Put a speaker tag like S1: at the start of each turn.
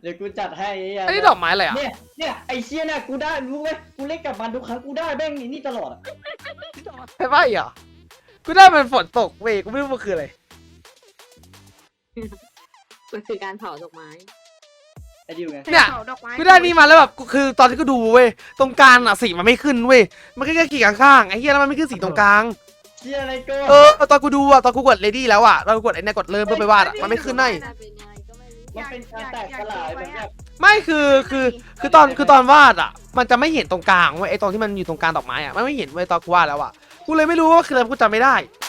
S1: ดี๋ยวกูจัดให้
S2: อันนี้ดอกไม้อะไรอ่ะ
S1: เนี่ยไอเชี่ยเนี่ยกูได้รู้ไหมกูเล่นกับมันทุกครั้งกูได้แม่งนี่ตลอดอ่ะ
S2: ใช่ป่ะเหรอกูได้มันฝนตกเว้ยกูไม่รู้มันคืออะไร
S3: มันคือการเผาดอกไม้
S1: ไอดิวไง
S2: เนี่ย
S4: ผาดอกไม้
S2: กูได้นี่มาแล้วแบบคือตอนที่กูดูเว้ยตรงกลางอ่ะสีมันไม่ขึ้นเว้ยมันแค่ขีดข้างๆไอ้เหี้ยแล้วมันไม่ขึ้นสีตรงกลาง
S1: เชี่ยอะไรก็
S2: ตอนกูดูอ่ะตอนกูกดเลดี้แล้วอ่ะตอนกูกดไอ้เนี่ยกดเริ่มเพื่อไปวาดอ่ะมันไม่ขึ้นให้
S3: จะเป็นยังไงก็ไม่รู้
S1: มันเป็นการแตกสลายแบบ
S2: ไม่คือตอนวาดอ่ะมันจะไม่เห็นตรงกลางเว้ยไอ้ตรงที่มันอยู่ตรงกลางดอกไม้อ่ะมันไม่เห็นเว้ยตอนกูวาดแล้วอ่ะกูเลยไม่รู้ว่าคืออะไรกูจำไม่ได้